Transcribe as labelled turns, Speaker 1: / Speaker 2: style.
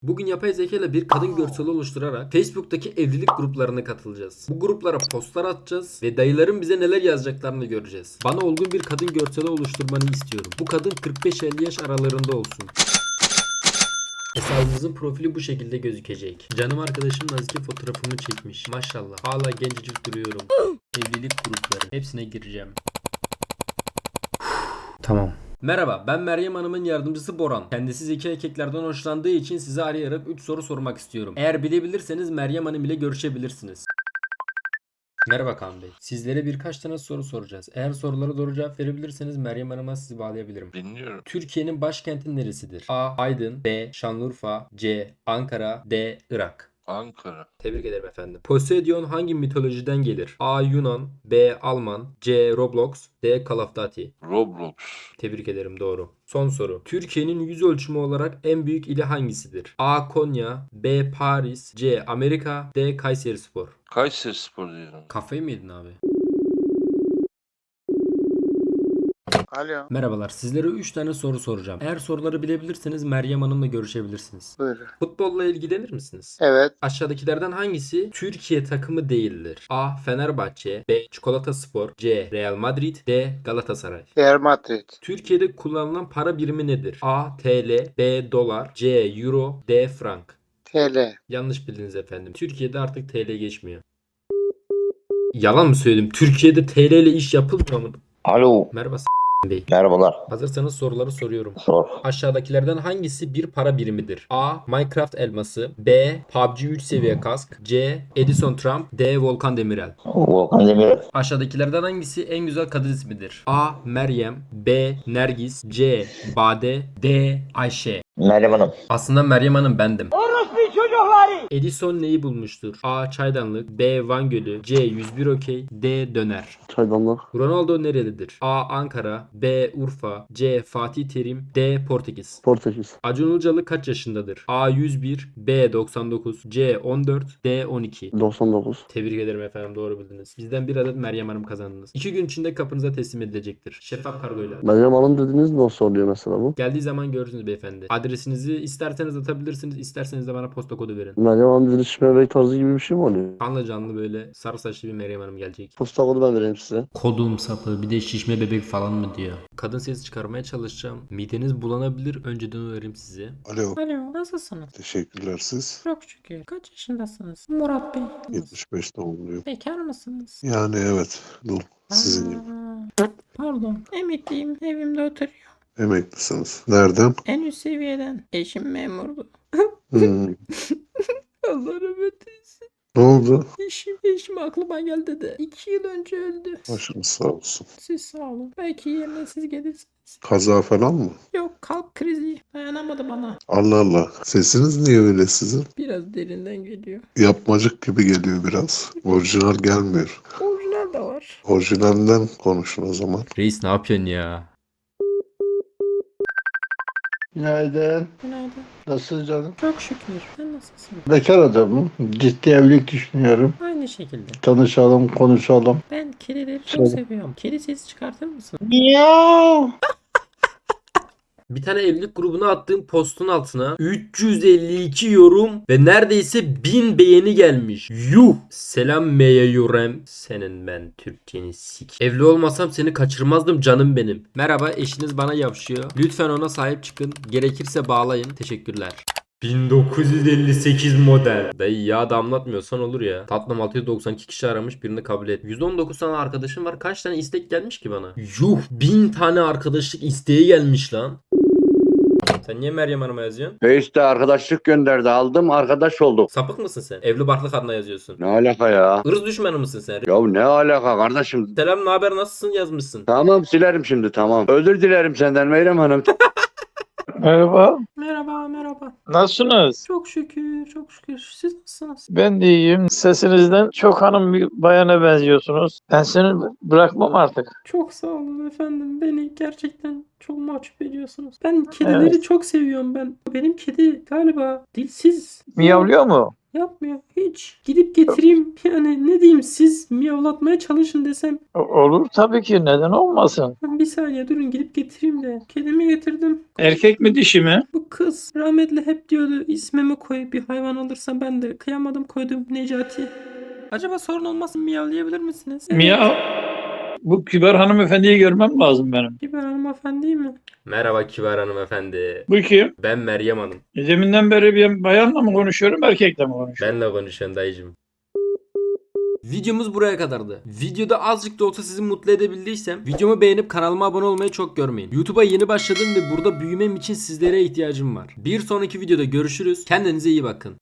Speaker 1: Bugün yapay zeka ile bir kadın görseli oluşturarak Facebook'taki evlilik gruplarına katılacağız. Bu gruplara postlar atacağız ve dayıların bize neler yazacaklarını göreceğiz. Bana olgun bir kadın görseli oluşturmanı istiyorum. Bu kadın 45-50 yaş aralarında olsun. Hesabımızın profili bu şekilde gözükecek. Canım arkadaşım Nazike fotoğrafımı çekmiş. Maşallah. Hala gencecik duruyorum. Evlilik grupları. Hepsine gireceğim. Tamam. Merhaba, ben Meryem Hanım'ın yardımcısı Boran. Kendisi zeki erkeklerden hoşlandığı için size arayarak 3 soru sormak istiyorum. Eğer bilebilirseniz Meryem Hanım ile görüşebilirsiniz. Merhaba Kaan Bey. Sizlere birkaç tane soru soracağız. Eğer sorulara doğru cevap verebilirseniz Meryem Hanım'a sizi bağlayabilirim.
Speaker 2: Dinliyorum.
Speaker 1: Türkiye'nin başkenti neresidir? A. Aydın, B. Şanlıurfa, C. Ankara, D. Irak.
Speaker 2: Ankara.
Speaker 1: Tebrik ederim efendim. Poseidon hangi mitolojiden gelir? A. Yunan, B. Alman, C. Roblox, D. Call of Duty.
Speaker 2: Roblox.
Speaker 1: Tebrik ederim, doğru. Son soru. Türkiye'nin yüz ölçümü olarak en büyük ili hangisidir? A. Konya, B. Paris, C. Amerika, D. Kayserispor.
Speaker 2: Kayserispor diyorum.
Speaker 1: Kafayı mı yedin abi?
Speaker 3: Alo.
Speaker 1: Merhabalar. Sizlere 3 tane soru soracağım. Eğer soruları bilebilirseniz Meryem Hanım'la görüşebilirsiniz.
Speaker 3: Buyurun.
Speaker 1: Futbolla ilgilenir misiniz?
Speaker 3: Evet.
Speaker 1: Aşağıdakilerden hangisi Türkiye takımı değildir? A. Fenerbahçe, B. Çikolataspor, C. Real Madrid, D. Galatasaray.
Speaker 3: Real Madrid.
Speaker 1: Türkiye'de kullanılan para birimi nedir? A. TL, B. Dolar, C. Euro, D. Frank.
Speaker 3: TL.
Speaker 1: Yanlış bildiniz efendim. Türkiye'de artık TL geçmiyor. Yalan mı söyledim? Türkiye'de TL ile iş yapılmıyor mu?
Speaker 4: Alo.
Speaker 1: Merhaba Bey.
Speaker 4: Merhabalar.
Speaker 1: Hazırsanız soruları soruyorum.
Speaker 4: Sor.
Speaker 1: Aşağıdakilerden hangisi bir para birimidir? A. Minecraft elması, B. PUBG 3 seviye kask, C. Edison Trump, D. Volkan Demirel.
Speaker 4: Volkan Demirel.
Speaker 1: Aşağıdakilerden hangisi en güzel kadın ismidir? A. Meryem, B. Nergis, C. Bade, D. Ayşe.
Speaker 4: Meryem Hanım.
Speaker 1: Aslında Meryem Hanım bendim. Edison neyi bulmuştur? A. Çaydanlık, B. Van Gölü, C. 101 okey, D. Döner.
Speaker 5: Çaydanlık.
Speaker 1: Ronaldo nerelidir? A. Ankara, B. Urfa, C. Fatih Terim, D. Portekiz.
Speaker 5: Portekiz.
Speaker 1: Acun Ilıcalı kaç yaşındadır? A. 101, B. 99, C. 14, D. 12.
Speaker 5: 99.
Speaker 1: Tebrik ederim efendim, doğru bildiniz. Bizden bir adet Meryem Hanım kazandınız. 2 gün içinde kapınıza teslim edilecektir. Şeffaf kargoyla.
Speaker 5: Meryem Hanım dediğiniz nasıl oluyor mesela bu?
Speaker 1: Geldiği zaman görürsünüz beyefendi. Adresinizi isterseniz atabilirsiniz, isterseniz de bana posta kodu verin.
Speaker 5: Meryem Hanım dediğiniz şişme bebek tarzı gibi bir şey mi oluyor?
Speaker 1: Kanlı canlı böyle sarı saçlı bir Meryem Hanım gelecek.
Speaker 5: Posta kodu ben vereyim size.
Speaker 1: Kodum sapı, bir de şişme bebek falan mı diyor. Kadın sesi çıkarmaya çalışacağım. Mideniz bulanabilir, önceden uyarayım sizi.
Speaker 6: Alo,
Speaker 7: Alo, nasılsınız?
Speaker 6: teşekkürler siz.
Speaker 7: Çok şükür. Kaç yaşındasınız? Murat Bey.
Speaker 6: 75 doğumluyum.
Speaker 7: Bekar mısınız?
Speaker 6: Yani evet, dul. Sizin gibi.
Speaker 7: Pardon. Emekliyim. Evimde oturuyor.
Speaker 6: Emeklisiniz. Nereden?
Speaker 7: En üst seviyeden. Eşim memurdu.
Speaker 6: Hmm.
Speaker 7: Allah rahmet eylesin.
Speaker 6: Ne oldu?
Speaker 7: Eşim aklıma geldi de 2 yıl önce öldü.
Speaker 6: Başınız sağ olsun.
Speaker 7: Siz sağ olun. Belki yerine siz gelirsiniz.
Speaker 6: Kaza falan mı?
Speaker 7: Yok, kalp krizi. Dayanamadı bana.
Speaker 6: Allah Allah. Sesiniz niye öyle sizin?
Speaker 7: Biraz derinden geliyor.
Speaker 6: Yapmacık gibi geliyor biraz. Orijinal gelmiyor.
Speaker 7: Orijinal de var.
Speaker 6: Orijinalden konuşun o zaman.
Speaker 1: Reis ne yapıyorsun ya?
Speaker 5: Günaydın.
Speaker 7: Günaydın.
Speaker 5: Nasılsın canım?
Speaker 7: Çok şükür. Sen nasılsın?
Speaker 5: Bekar adamım. Ciddi evlilik düşünüyorum.
Speaker 7: Aynı şekilde.
Speaker 5: Tanışalım, konuşalım.
Speaker 7: Ben kedileri çok
Speaker 5: Söyle.
Speaker 7: seviyorum. Kedi sesi çıkartır mısın?
Speaker 5: Miau.
Speaker 1: Bir tane evlilik grubuna attığım postun altına 352 yorum ve neredeyse 1000 beğeni gelmiş. Yuh! Selam Meye Yurem. Senin ben Türkçeni sik. Evli olmasam seni kaçırmazdım canım benim. Merhaba, eşiniz bana yavşıyor. Lütfen ona sahip çıkın. Gerekirse bağlayın. Teşekkürler. 1958 model. Dayı ya damlatmıyorsan olur ya. Tatlım 692 kişi aramış, birini kabul et. 119 tane arkadaşım var. Kaç tane istek gelmiş ki bana? Yuh, 1000 tane arkadaşlık isteği gelmiş lan. Sen niye Meryem Hanım'a yazıyorsun?
Speaker 4: Face'te arkadaşlık gönderdi. Aldım, arkadaş olduk.
Speaker 1: Sapık mısın sen? Evli barklı kadına yazıyorsun.
Speaker 4: Ne alaka ya?
Speaker 1: Irz düşmanı mısın sen?
Speaker 4: Ya ne alaka kardeşim?
Speaker 1: Selam, ne haber, nasılsın yazmışsın.
Speaker 4: Tamam, silerim şimdi, tamam. Özür dilerim senden Meryem Hanım.
Speaker 8: Merhaba.
Speaker 7: Merhaba.
Speaker 8: Nasılsınız?
Speaker 7: Çok şükür, çok şükür. Siz nasılsınız?
Speaker 8: Ben de iyiyim. Sesinizden çok hanım bir bayana benziyorsunuz. Ben seni bırakmam artık.
Speaker 7: Çok sağ olun efendim. Beni gerçekten çok mahcup ediyorsunuz. Ben kedileri çok seviyorum ben. Benim kedi galiba dilsiz.
Speaker 8: Miyavlıyor mu?
Speaker 7: Yapmıyor hiç. Gidip getireyim yani ne diyeyim siz miyavlatmaya çalışın desem.
Speaker 8: Olur tabii ki, neden olmasın?
Speaker 7: Bir saniye durun gidip getireyim de. Kedimi getirdim.
Speaker 8: Erkek mi dişi mi?
Speaker 7: Bu kız rahmetli hep diyordu ismimi koy bir hayvan alırsam ben de kıyamadım koydum Necati. Acaba sorun olmasın miyavlayabilir misiniz?
Speaker 8: Miyav. Bu kibar hanımefendiyi görmem lazım benim.
Speaker 7: Kibar hanımefendi mi?
Speaker 1: Merhaba kibar hanımefendi.
Speaker 8: Bu kim?
Speaker 1: Ben Meryem Hanım.
Speaker 8: Deminden beri bir bayanla mı konuşuyorum, erkekle mi konuşuyorum?
Speaker 1: Benle konuşuyorum dayıcım. Videomuz buraya kadardı. Videoda azıcık da olsa sizi mutlu edebildiysem videomu beğenip kanalıma abone olmayı çok görmeyin. YouTube'a yeni başladım ve burada büyümem için sizlere ihtiyacım var. Bir sonraki videoda görüşürüz. Kendinize iyi bakın.